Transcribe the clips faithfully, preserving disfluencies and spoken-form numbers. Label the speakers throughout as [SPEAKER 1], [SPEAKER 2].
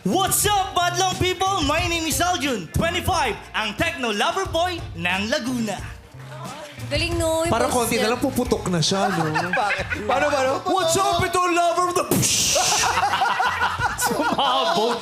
[SPEAKER 1] What's up, Badlong people? My name is Aljun, twenty-five, ang techno lover boy ng Laguna.
[SPEAKER 2] Galing no. yung
[SPEAKER 3] Parang
[SPEAKER 2] boses
[SPEAKER 3] konti
[SPEAKER 2] niya.
[SPEAKER 3] na lang puputok na siya, no?
[SPEAKER 4] Bakit? Paano, paano?
[SPEAKER 3] What's up, ito lover of the...
[SPEAKER 1] Sumabog.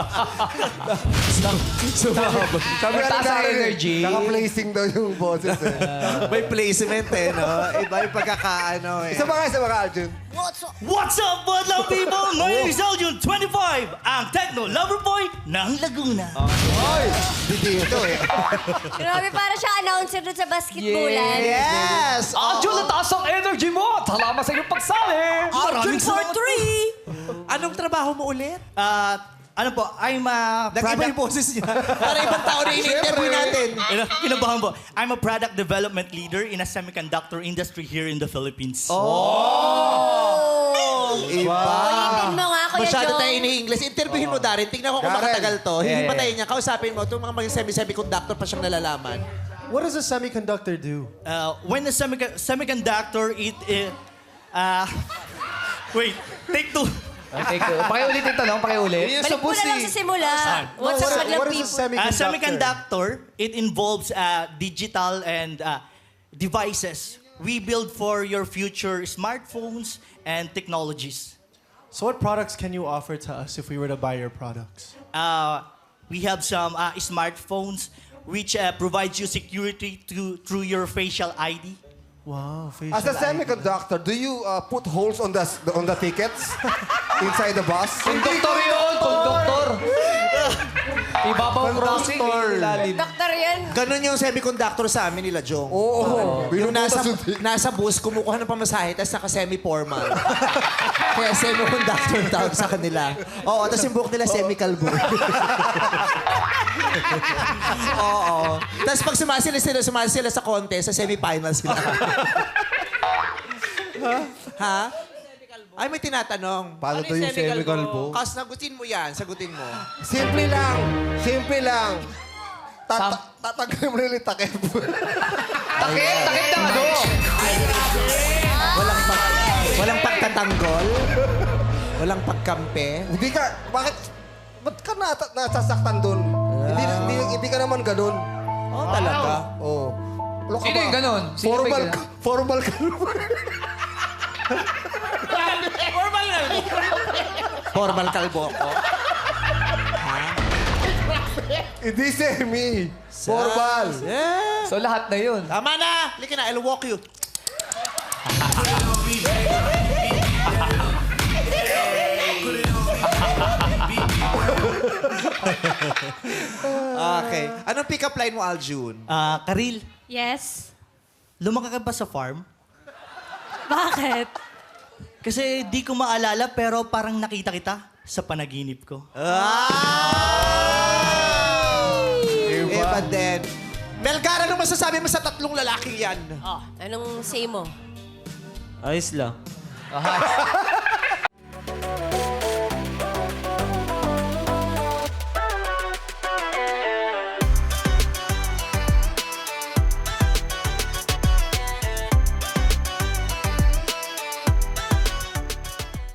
[SPEAKER 3] Sumabog.
[SPEAKER 4] Sabi nga
[SPEAKER 5] Mataas
[SPEAKER 4] ni
[SPEAKER 5] ang
[SPEAKER 4] Darren,
[SPEAKER 5] energy.
[SPEAKER 4] Naka-placing daw yung boses eh.
[SPEAKER 3] May placement eh, no? Iba yung pagkakaano eh.
[SPEAKER 4] Isa pa ka, isa pa ka, Arjun.
[SPEAKER 2] What's up?
[SPEAKER 1] What's up, Badlong people? My name is Aljun, twenty-five, ang techno lover boy ng Laguna.
[SPEAKER 4] Ay! Hindi ito eh.
[SPEAKER 2] Grabe, para siya announcer doon sa basketballan.
[SPEAKER 3] Yes!
[SPEAKER 5] Arjun, nataas ang energy mo! Salamat sa iyong pagsali!
[SPEAKER 1] Maraming
[SPEAKER 2] for
[SPEAKER 1] salamat po.
[SPEAKER 2] three.
[SPEAKER 3] Anong trabaho mo ulit?
[SPEAKER 1] Ah, ano po, I'm a
[SPEAKER 3] Nag-iba yung
[SPEAKER 1] product...
[SPEAKER 3] boses niya. Para ibang tao na in-interview natin.
[SPEAKER 1] Ina- Kinabahan po. I'm a product development leader in a semiconductor industry here in the Philippines.
[SPEAKER 3] Iba.
[SPEAKER 2] Ulitin mo nga, Kuya
[SPEAKER 3] Masyado
[SPEAKER 2] Jong.
[SPEAKER 3] tayo ini-English. Interviewin mo, Darin. Tingnan ko kung
[SPEAKER 4] Darren.
[SPEAKER 3] makatagal to. Hindi
[SPEAKER 5] Yeah,
[SPEAKER 3] pa
[SPEAKER 5] yeah,
[SPEAKER 3] tayo niya. Kausapin mo. Itong mga mga semi-semiconductor pa siyang nalalaman.
[SPEAKER 6] What does a semiconductor do?
[SPEAKER 1] Uh, when the semico- semiconductor, it... Uh, uh, wait, take two.
[SPEAKER 5] Okay, cool. Pakiulit yung tanong, pakiulit.
[SPEAKER 2] Balik mo na lang sa simula. What's up,
[SPEAKER 6] what,
[SPEAKER 2] Badlang
[SPEAKER 6] what is a
[SPEAKER 2] people?
[SPEAKER 6] semiconductor?
[SPEAKER 1] Uh, semiconductor, it involves uh, digital and uh, devices. We build for your future smartphones and technologies.
[SPEAKER 6] So what products can you offer to us if we were to buy your products?
[SPEAKER 1] Uh, we have some uh, smartphones which uh, provides you security to, through your facial I D.
[SPEAKER 6] Wow, facial
[SPEAKER 4] As a
[SPEAKER 6] I D.
[SPEAKER 4] semiconductor, do you uh, put holes on the on the tickets inside the bus?
[SPEAKER 5] Konduktor yun! Konduktor! Ibabaw crossing, ilalim.
[SPEAKER 2] Doktor yan.
[SPEAKER 3] Ganon yung semiconductor sa amin nila, Jong.
[SPEAKER 4] Oo.
[SPEAKER 3] Yung nasa,
[SPEAKER 4] Binubutas yung ticket.
[SPEAKER 3] nasa bus, kumukuha ng pamasahe, tapos naka-semi-formal. Kaya semiconductor ang tawag sa kanila. Oo, tapos yung buhok nila semi-kalbo. Oo. Tapos pag sumasila sila, sumasila sila sa contest, sa semi-finals sila. ha? Ay, may tinatanong.
[SPEAKER 4] Paano to yung semikalbo?
[SPEAKER 3] Kas, sagutin mo yan, sagutin mo.
[SPEAKER 4] Simple lang. Simple lang. Tata tatanggalin mo rin yung takip.
[SPEAKER 5] Takip! Takip ng ano?
[SPEAKER 3] Walang pag, walang pagtatanggol. Walang pagkampe.
[SPEAKER 4] Hindi ka, bakit, ba't ka nata, nasasaktan dun? Hindi, hindi, hindi ka naman ganun.
[SPEAKER 3] Oh, talaga.
[SPEAKER 4] Oo. Ano ka
[SPEAKER 5] Sino
[SPEAKER 4] ba?
[SPEAKER 5] yung ganun? Sino
[SPEAKER 4] Formal,
[SPEAKER 5] ba yung
[SPEAKER 4] ka, formal ka naman.
[SPEAKER 3] Formal kalbo ako.
[SPEAKER 4] Hindi semi. Formal.
[SPEAKER 3] Yeah.
[SPEAKER 5] So lahat na yun.
[SPEAKER 3] Tama na. Halika na, I'll walk you. Okay. Anong pick-up line mo, Aljun?
[SPEAKER 1] Uh, Karil,
[SPEAKER 2] Yes.
[SPEAKER 1] lumaki ka ba sa farm?
[SPEAKER 2] Bakit?
[SPEAKER 1] Kasi di ko maalala pero parang nakita kita sa panaginip ko.
[SPEAKER 3] Eh, but then... Melgar, anong masasabi mo sa tatlong lalaking yan?
[SPEAKER 2] Oh, anong say mo?
[SPEAKER 7] Ayos lang.